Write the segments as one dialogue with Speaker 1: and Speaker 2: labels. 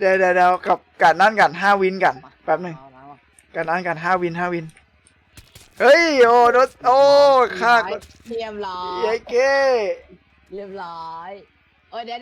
Speaker 1: เดี๋ยวกับการนั่นกัน5 วินกันแป๊บหนึ่ง
Speaker 2: เอามา
Speaker 1: การนั่นกัน5 วินเฮ้ยโอ้โดนโอ้ฆ่า
Speaker 2: เรียบร้อย
Speaker 1: เย้เก้
Speaker 2: เรียบร้อยโอ้ยเดี๋ยว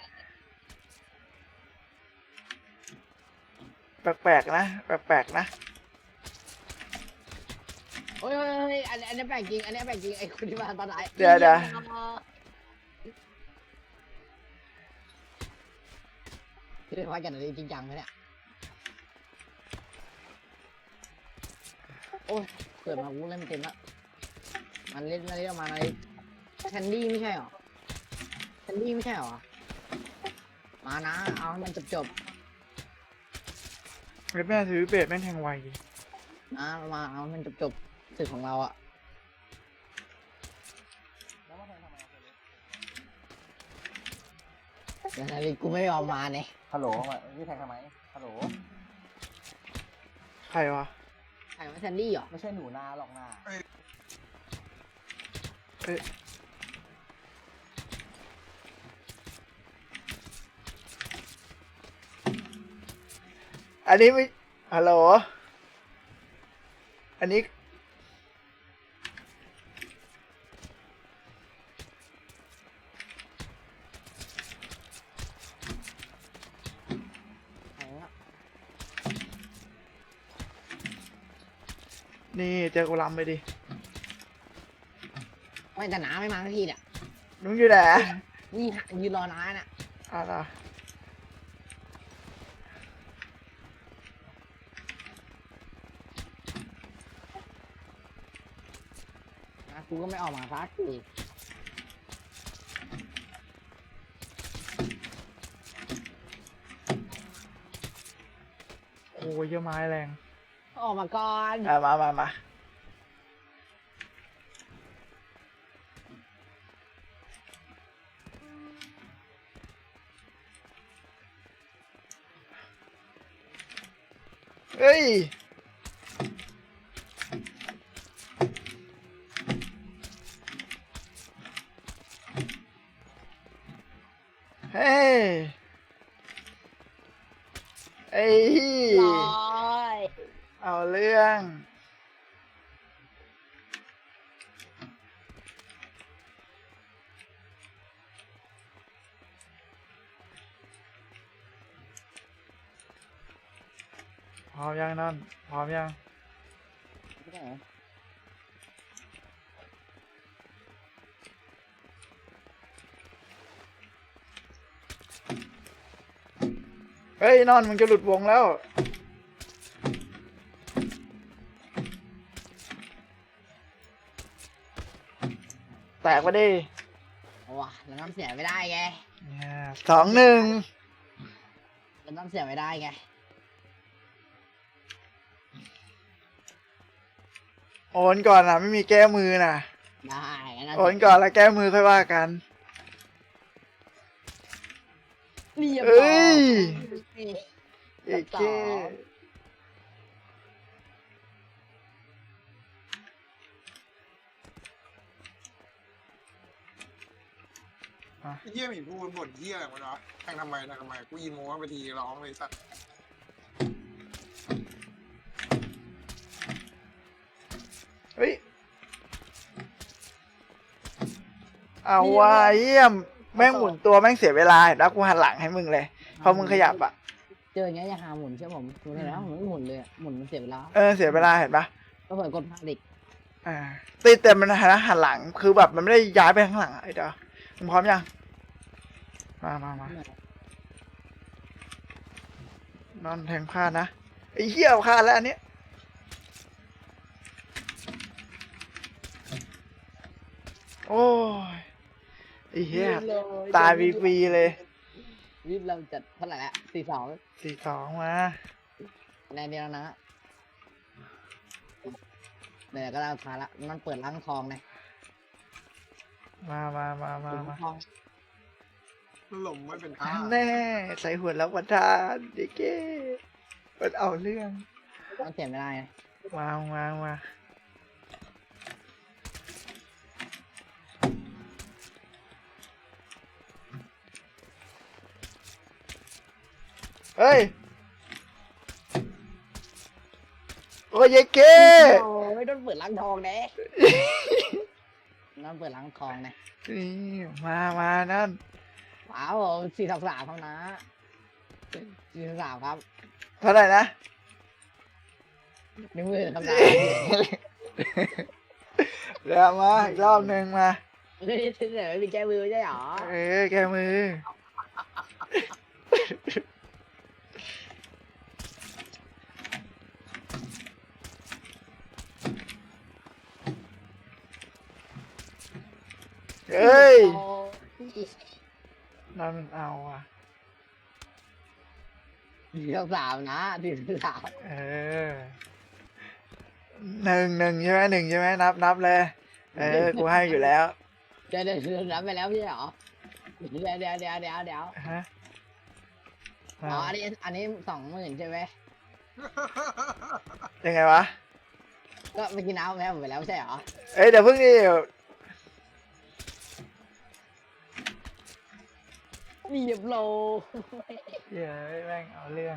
Speaker 1: แปลกๆนะแปลกๆนะ
Speaker 2: โอ้ยอันนี้แปลกจริงอันนี้แปลกจริงไอ้คนที่มาตอนไหน
Speaker 1: เดี๋ยว
Speaker 2: ที่ได้พักกันอะไรจริงจังไหมเนี่ยโอ้ยเกิดมากูเล่นไม่เต็มละมันเล่นออกมาอะไรแคนดี้ไม่ใช่หรอแคนดี้ไม่ใช่หรอมานะเอาให้มันจบ
Speaker 1: แม่ถือเบสแม่งแทงไวดิ
Speaker 2: นะมาเอาให้มันจบศึกของเราอะเดี๋ยวนาฬิกูไม่ยอมมาเนี่ย
Speaker 3: ฮัลโหลมาพี่แทงทำไมฮัลโหล
Speaker 1: ใครวะ
Speaker 2: ใครว่าแซนดี้เหรอ
Speaker 3: ไม่ใช่หนูนาหรอกนา
Speaker 1: อันนี้ไม่ฮัลโหลอันนี้นี่เจอกูลำไปดิ
Speaker 2: ไม่แต่น้าไม่มาสักทีเนี่ย
Speaker 1: นุ้งอยู่ไหน
Speaker 2: นี่ยืนรอน้าน่ะ
Speaker 1: อะไร
Speaker 2: น้ากูก็ไม่ออกมาสักที
Speaker 1: โอ้ยเยอะไม้แรง
Speaker 2: ออกมาก่อน
Speaker 1: มาเฮ้ยเฮ้ยไอ้
Speaker 2: ร้อย
Speaker 1: เอาเรื่องพร้อมยังนั่นพร้อมยังเฮ้ยนอนมึงจะหลุดวงแล้วแตกไปดิ
Speaker 2: ว้าเราน้ำเสียไม่ได้ไง
Speaker 1: 2-1
Speaker 2: เราน้ำเสียไม่ได้ไง
Speaker 1: โอนก่อนนะไม่มีแก้มือนะ
Speaker 2: ได้งั้น
Speaker 1: โอนก่อนแล้วแก้มือค่อยว่ากัน
Speaker 2: เรียบ
Speaker 1: เอ้
Speaker 2: ร้อย
Speaker 1: ย เอกเก้
Speaker 4: เฮี้ยหมีพูดบ่นเฮี้ยอะไรวะแทงทำไมกูยินโม้ไปทีร้องเลยสัตว์
Speaker 1: เฮ้ยเอาว่ะเยี่ยมแม่งหมุนตัวแม่งเสียเวลาเห็นแล้วกูหันหลังให้มึงเลยพอมึงขยับอ่ะ
Speaker 2: เจออย่างเงี้ยอย่าหาหมุนเชื่อผมหมุนเลยนะผมไม่หมุนเลยอะหมุนมันเสียเวลา
Speaker 1: เสียเวลาเห็นปะ
Speaker 2: ก็เปิดกดพาดิก
Speaker 1: ติดแต่มันหันหลังคือแบบมันไม่ได้ย้ายไปข้างหลังไอ้เด้อมึงพร้อมยังมานอนแทงพลาดนะไอ้เหี้ยพลาดแล้วอันนี้โอ้ยไอ้เหี้ยตายฟรีๆเลย
Speaker 2: วิบเราจัดเท่าไหร่ละ
Speaker 1: 4-2
Speaker 2: 42
Speaker 1: มา
Speaker 2: ในเดียวนะเดี๋ยวก็เราทาละมันเปิดล้างทองเลย
Speaker 1: มา
Speaker 2: ทอง
Speaker 4: หล่มไม่เป็นท่า
Speaker 1: แน่ใส่หัวแล้ววันทานเด็กเก้มันเอาเรื่อง
Speaker 2: มันเสียไม่ได้ไง
Speaker 1: มาเฮ้ยโอ้ยเยเก้
Speaker 2: โอ้ยโดนเปิดล้างทองเด้นั่นเปิดล้างทองเนี่ย
Speaker 1: นี่มานั่น
Speaker 2: ว้าว4-3ครับนะ4-3ครับ
Speaker 1: เท่าไหร่นะ
Speaker 2: 10,000ครับนะ
Speaker 1: เดี๋ยวมาอีกรอบหนึ่งมา
Speaker 2: เฮ้ยเดี๋ยวไม่มีแก้มือไม่ใช่หรอ
Speaker 1: แกมือ เฮ้ย นั่นเอาอ่ะ
Speaker 2: 4-3นะ4-3
Speaker 1: เออหนึ่งใช่ไหม1ใช่ไหมนับเลย กูให้อยู่แล้ว
Speaker 2: เดี๋ยวรับไปแล้วไม่ใช่หรอเดี๋ยว
Speaker 1: ฮะ
Speaker 2: อ๋ออันนี้20,000ใช่ไหม
Speaker 1: ยังไงวะ
Speaker 2: ก็เมื่อกี้น้ำแพ้ผมไปแล้วไม่ใช่หรอ
Speaker 1: เดี๋ยวเพิ่งดิ
Speaker 2: มีเรียบโล
Speaker 1: เดี๋ยวแม่งเอาเรื่อง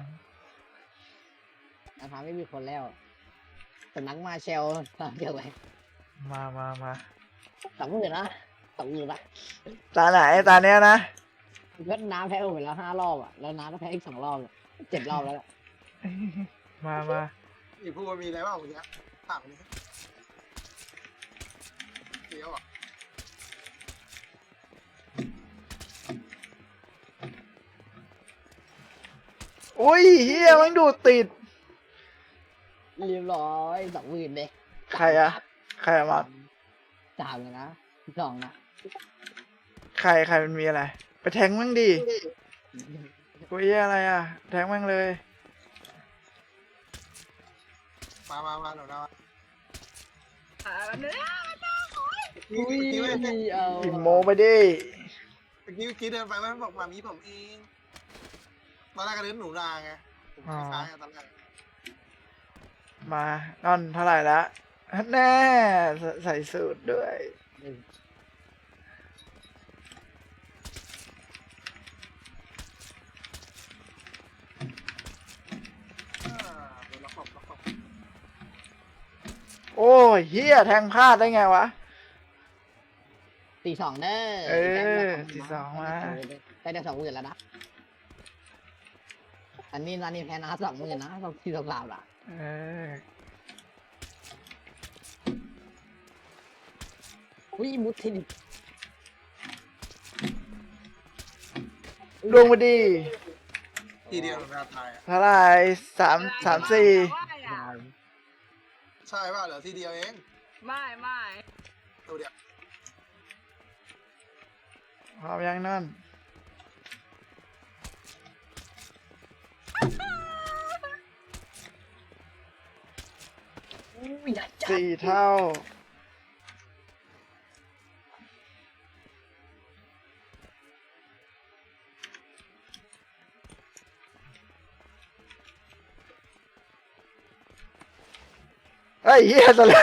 Speaker 2: นะครับไม่มีคนแล้วสำนักมาเชลทำเกี่ยวอะไร
Speaker 1: มา
Speaker 2: 20,000นะ20,000นะ
Speaker 1: ตาไหนตาเนี้ยนะ
Speaker 2: ก็น้ำแพ้ผมไปแล้ว5 รอบอ่ะแล้วน้ำก็แพ้อีก2 รอบ7 รอบแล้วแหละ
Speaker 1: มา
Speaker 4: มีพูดว่ามีอะไรบ้างวันนี้ถามนี้เดี๋ยวอ่ะ
Speaker 1: อุ้ยเฮียมันดูดติด
Speaker 2: เรียบร้อย20,000เลย
Speaker 1: ใครอะมา
Speaker 2: 3เลยนะ2นะ
Speaker 1: ใครมันมีอะไร ไปแทงมั่งดิกูเฮียอะไรอ่ะ แทงมั่งเลย
Speaker 4: มาหนูนะ
Speaker 2: อุ้ยเอา
Speaker 1: อิมโมไปดิ
Speaker 4: เมื่อกี้เดินไปมันบอกมามีผมเองตอนแรกก็เล่นหนูนาไงผมค้างตอนแรก
Speaker 1: มานั่นเท่าไหร่ละแน่ใส่สูตรด้วย
Speaker 4: เดี๋ยวเราขอบ
Speaker 1: โอ้ยเฮียแทงพลาดได้ไงวะ
Speaker 2: 4-2เด้อ
Speaker 1: 4-2มา
Speaker 2: ได้20,000แล้วนะอันนี้แพ้นะ20,000นะ4-3ล่ะ อุ้ยมุดทิน
Speaker 1: ลงมาดี
Speaker 4: ทีเดียวหนูนาตาย
Speaker 1: เท่าไหร่3-4
Speaker 4: ใช่ป่ะเหลือทีเดียวเอง
Speaker 5: ไม่
Speaker 4: ตัวเดียว
Speaker 1: พร้อมยังนั่น
Speaker 2: อุ้ยจัด
Speaker 1: 4 เท่า เฮ้ยเฮียซะแล้ว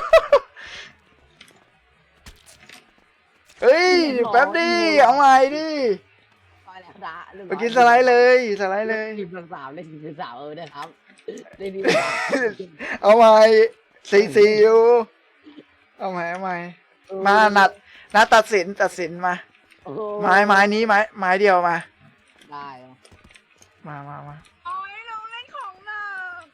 Speaker 1: เฮ้ยแป๊บดิเอาใหม่ดิ
Speaker 2: ไปแล้วนะ
Speaker 1: ไปกินสไลด์เลยเลย
Speaker 2: 4-3ได้4-3ได้ครับได้ดี
Speaker 1: เอาใหม่4-4อยู่เอาใหม่มานัดตัดสินมา ไม้นี้ไม้เดียวมา
Speaker 2: ได้
Speaker 1: มา
Speaker 5: โอ้ยลุงเล่นของหนัก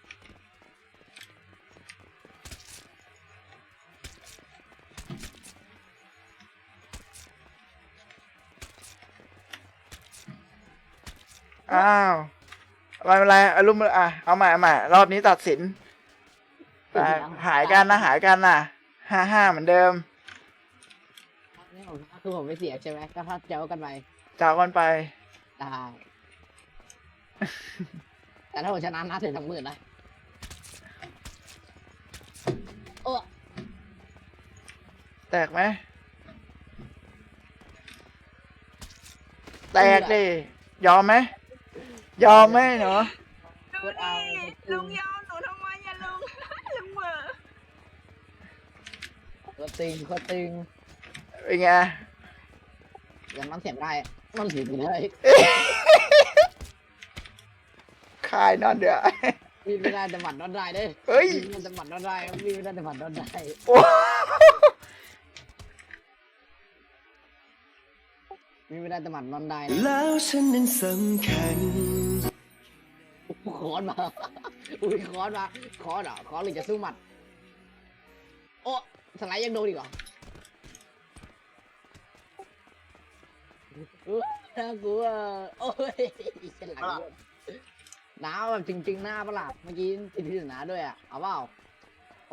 Speaker 1: อ้าวไม่เป็นไรอารมณ์เอาใหม่รอบนี้ตัดสินหายกันนะ5-5เหมือนเดิม
Speaker 2: นี่ผมคือผมไม่เสียใช่ไหมก็ถ้าเจ้ากันไป
Speaker 1: จากกันไป
Speaker 2: ได้ แต่ถ้าผมชนะนะถึง20,000นะโอ้
Speaker 1: แตกไหมแตกดิยอมไหมเนาะ
Speaker 5: ดูดิลุงยอมหนูทำไมอย่าลุง ลุงเหม่อ
Speaker 2: ก็ตึง
Speaker 1: เป็นไง
Speaker 2: อย่างน้ำเสียงได้มันเสียงเลย
Speaker 1: คายนอนเดี๋ยว
Speaker 2: มีไม่ได้แต่หมัดนอนได้เด้
Speaker 1: เฮ้ย
Speaker 2: มีไม่ได้แต่หมัดนอนได้ครับมีไม่ได้แต่หมัดนอนได้
Speaker 1: โอ้
Speaker 2: มีไม่ได้แต่หมัดนอนได้นะ
Speaker 6: แล้วฉันนั้นสำคัญ
Speaker 2: คอนมา อุ้ยคอนมาคอนเหรอคอนหรือจะสู้หมัด โอ้สไลด์ยังโดนอีกเหรอน่ากลัวโอ้ยฉลาดน้าแบบจริงๆหน้าประหลาดเมื่อกี้ติดที่หนาด้วยอ่ะเอาเปล่าโอ้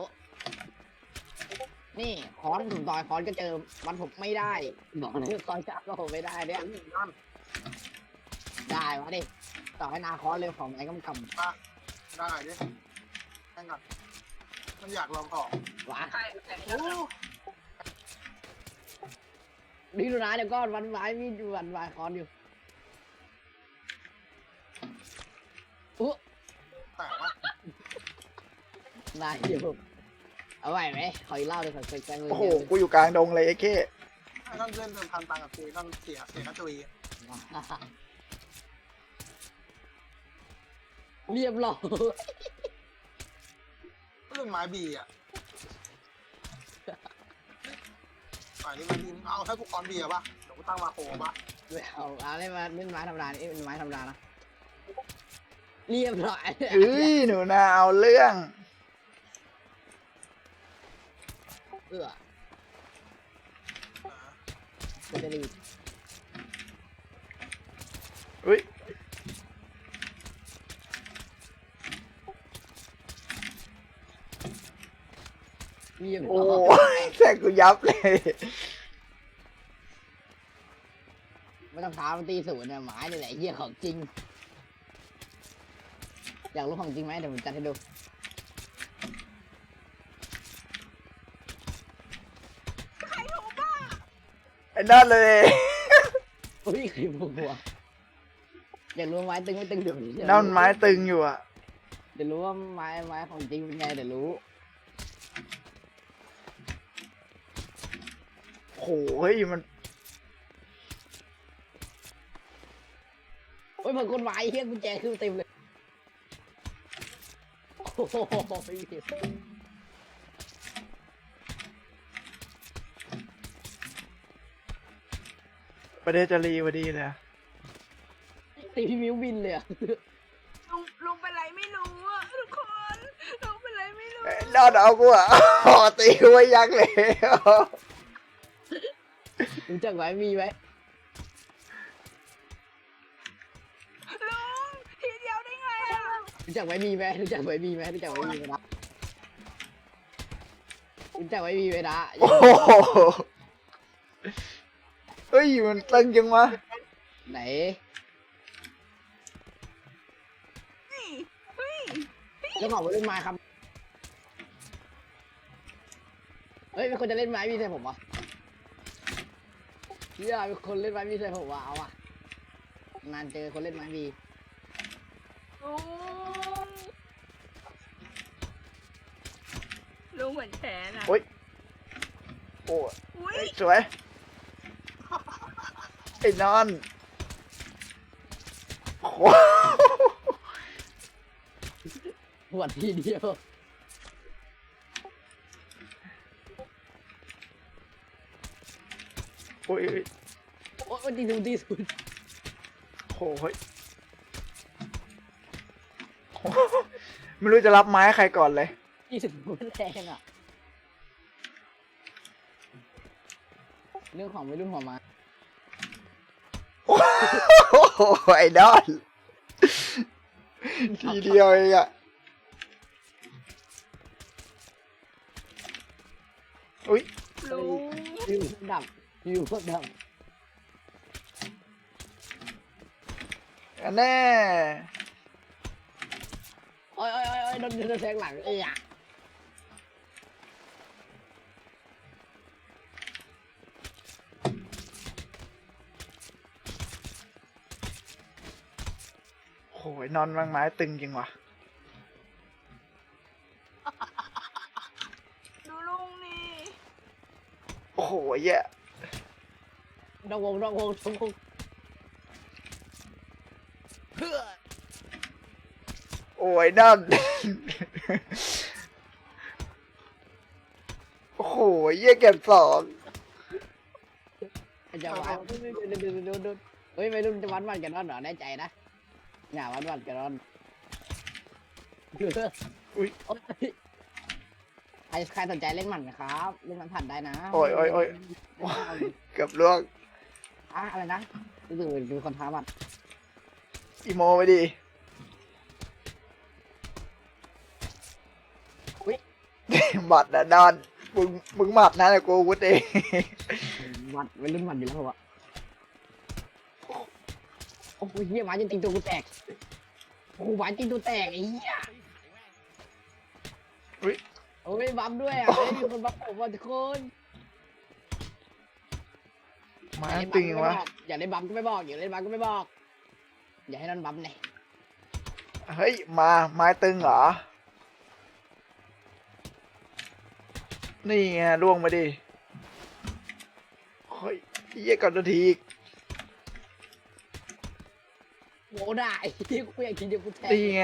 Speaker 2: นี่คอนถุงต่อยคอนก็เจอมันผมไม่ได้บอกเลยคอนจับก็ผมไม่ได้เนี่ย
Speaker 4: นั่น
Speaker 2: ได้มาดิต่อให้นาคอนเลยของไอ้กำก
Speaker 4: ได้ดิแข่งกันมันอยากลองของ
Speaker 2: ำหวาน
Speaker 5: ใครแต่งแล้ว
Speaker 2: นี่ดูนะเดี๋ยวก็วันวายมีวันวายคอนอยู่อุ๊
Speaker 4: แต่ว่า
Speaker 2: ได้อยู่เอาไหวไหมขออีกเล่าเลยขอแจ้งเลย
Speaker 1: โอ้โห กูอยู่กลางดงเลยไอ้เก้
Speaker 4: ไอ้นั่นเล่นเดินพันตังกับคุยนั่นเสียกระจุย
Speaker 2: เรียบร้อย
Speaker 4: เรื่องไม้บีอ่ะฝ่ายนี้มันบีเอาให้กูคอนบีอ่ะป่ะเดี๋ยวกูตั้งมาโคป่ะ
Speaker 2: ไม่เอาเล่นมาเล่นไม้ธรรมดานี่เป็นไม้ธรรมดานะเรียบร้อย
Speaker 1: เอ้ย หนูนาเอาเรื่อง
Speaker 2: เอื้อจะได้รีบ
Speaker 1: อุ้ย
Speaker 2: เรียบ
Speaker 1: โอ้
Speaker 2: ร้อย
Speaker 1: ยแทงกูยับเลย
Speaker 2: ไม่ต้องท้ามันตีศูนย์เนี่ยไม้นี่แหละเหี้ยของจริง อยากรู้ของจริงไหมเดี๋ยวผมจัดให้ดู
Speaker 1: ไอ้นั่นเลย
Speaker 2: อุ้ยใครพูดหัวอยากรู้ไม้ตึงไม่ตึงเดี๋ยวนี้
Speaker 1: นั่นไม้ตึงอยู่อ่ะ
Speaker 2: เดี๋ยวรู้ว่าไม้ของจริงเป็นไงเดี๋ยวรู้
Speaker 1: โหเฮ้ยมัน
Speaker 2: โอ้ยเหมือนคนไม้เฮี้ยกุญแจขึ้นเต็มเลยโอ้โหไม่มี
Speaker 1: ประเดจารีพอดีเลยอะ
Speaker 2: ตีพี่มิวบินเลยอะ
Speaker 5: ลุงเป็นไรไม่รู้อ่ะทุกคนลุงเป็นไรไม่รู้
Speaker 1: ไอ้นั่นเอากูอ่ะ อ๋อตีกูไว้ยักษ์เลย
Speaker 2: รู้จักไม้มีไหม
Speaker 5: ลุงทีเดียวได้ไงอ่ะ
Speaker 2: รู้จักไม้มีไหมรู้จักไม้มีไหมรู้จักไม้มีไหมนะรู้จักไม้มีไหมนะ
Speaker 1: โอ้โหเฮ้ย มันตึงจังวะ
Speaker 2: ไหน
Speaker 5: นี่เฮ้ย
Speaker 2: เจ้าของเล่นไม้ครับเฮ้ยเป็นคนจะเล่นไม้มีใส่ผมวะเฮียเป็นคนเล่นไม้มีใส่ผมวะเอาอะนานเจอคนเล่นไม้มี
Speaker 5: ลุงเหมือนแฉนะ
Speaker 1: โอ้ย โอ้ย
Speaker 5: อุ้ย
Speaker 1: เฮ้ยสวย ไอ้นอนโอ้โห
Speaker 2: หัวดทีเดียว
Speaker 1: โอ้ย
Speaker 2: โอ้ยตีศูนย์ตีศูนย์
Speaker 1: โอ้โหเฮ้ยโอ้โหไม่รู้จะรับไม้ใครก่อนเลย
Speaker 2: ตีศูนย์มันแรงอ่ะเรื่องของวัยรุ่นหัวมา
Speaker 1: โอ้โหไอ้ดอน ทีเดียวเองอะอุ้ย
Speaker 5: ลุง
Speaker 2: อยู่ดับอยู่ดับ
Speaker 1: อันแน่
Speaker 2: โอ้ยโอ้ยโอ้ยโดนแทงหลังเอ้ยอะ
Speaker 1: โอ้ยนอนวางไม้ตึงจริงว่ะ
Speaker 5: ดูลุงนี่
Speaker 1: โอ้โหแย่
Speaker 2: ดองวงดองวงดองวงเพื่อ
Speaker 1: โอ้ยนั่น โอ้โหเยี่ยเก็บสอง
Speaker 2: จะวัดดูเฮ้ยไม่รุ่นจะวัดกันนอนเหรอแน่ใจนะอย่าวัดกันนอน
Speaker 1: อุ้ย
Speaker 2: ใครสนใจเล่นหมันไหมครับเล่นหมันผ่านได้นะ
Speaker 1: โอ้ยเกือบล่วง
Speaker 2: อะไรนะรู้สึกเป็นคนท้ามัน
Speaker 1: อีโมไปดิหมัดนะดอนมึงหมัดนะแต่กูอาวุธเอง
Speaker 2: วัดเป็นรุ่นหมันอยู่แล้ววะโอ้ยเหี้ยหมาจริงตัวกูแตกโอ้หมาจริงตัวแตกไอ้เหี้ย
Speaker 1: อุ้ย
Speaker 2: โอ้ยบัฟด้วยอ่ะมีคนบัฟผมว่าทุกคน
Speaker 1: มาตึงวะ
Speaker 2: อย่าเล่นบัฟก็ไม่บอกอย่าเล่นบัฟก็ไม่บอกอย่าให้นั่นบัฟเลย
Speaker 1: เฮ้ยมาไม้ตึงเหรอนี่ไงล่วงมาดิเฮ้ยเยี่ยก่อนนาทีอีก
Speaker 2: โง่ได้ที่กูอยากกินเดี๋ยวกูแทง
Speaker 1: นี่ไง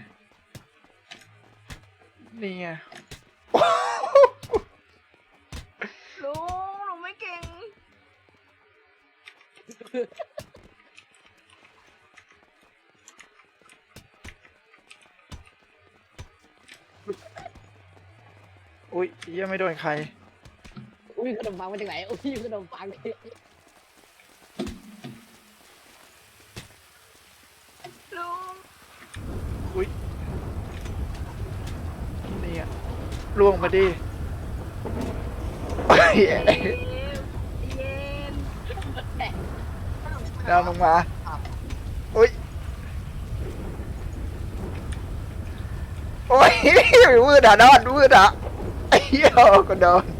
Speaker 1: นี่ไง
Speaker 5: ลุงหนูไม่เก่ง
Speaker 1: อุ้ยเยี่ยไม่โดนใคร
Speaker 2: อุ้ยขนมปังมาจากไหนอุ้ยขนมปังนี่
Speaker 5: ลุง
Speaker 1: อุ้ยนี่ไงล่วงมาดิเฮ้ย
Speaker 5: เย็น
Speaker 1: ดาวลงมาอุ้ยโอ้ย วืดอ่ะดอนวืดอ่ะไอ้เหี้ยก็โดน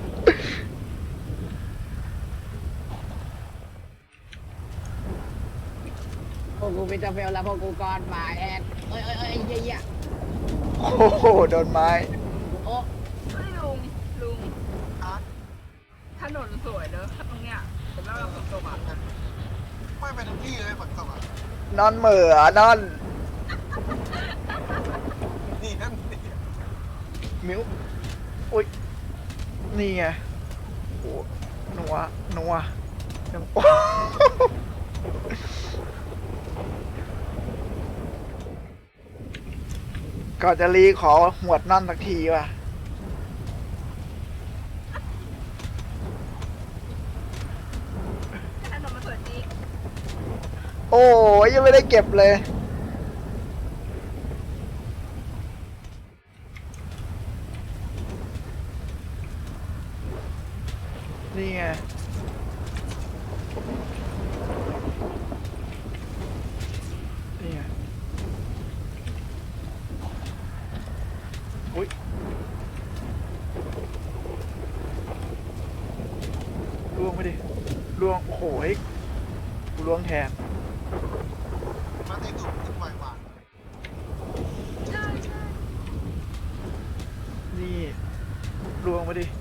Speaker 2: พวกกูเป็นเจ้าเฟลแล้วพวกกูก่อนมาแอนเอ้ยเยี่ย
Speaker 1: โอ้โหโดนไม้
Speaker 2: โอ้
Speaker 5: เฮ้ยลุงถนนสวยเด้อตรงเนี้ยแต่แล้วเราฝนตกอ่ะ
Speaker 4: ไม่เป็นทุกที่เลยฝนตกอ่ะ
Speaker 1: นอนเหม่อนอน
Speaker 4: นี่นั่นนี่
Speaker 1: มิวอุ้ยนี่ไงโอ้หนัวหนัวหนัว ก่อนจะรีขอหวดนั่นสักทีว่ะ
Speaker 5: ถนนมันสวยจริง
Speaker 1: โอ้ยยังไม่ได้เก็บเลย นี่ไง นี่ไง อุ้ยล่วงไปดิล่วง โอ้โหเฮ้ยกูล่วงแทน
Speaker 4: มาตีตุ่มขึ้นไวกว่า
Speaker 5: ใช่
Speaker 1: นี่ล่วงไปดิ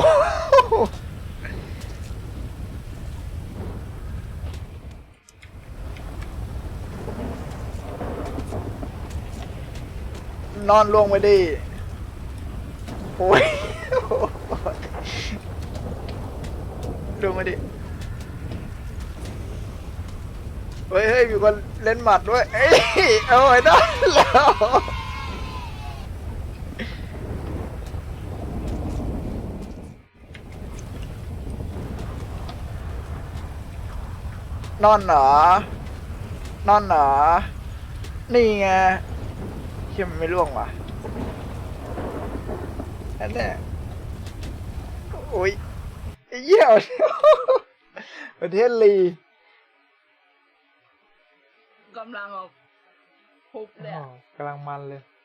Speaker 1: นอนลงไปดิโอ้ยลงมาดิเฮ้ยมีคนเล่นหมัดด้วยเอ้ยโอ้ยนอนแล้วนอนเหรอนอนเหรอนี่ไงเชื่อมันไม่ร่วงว่ะนั่นแหละโอ้ยไอ้เหี้ยประเทศลี
Speaker 5: กำลังเอาพุบเลยอะ
Speaker 1: กำลังมันเลย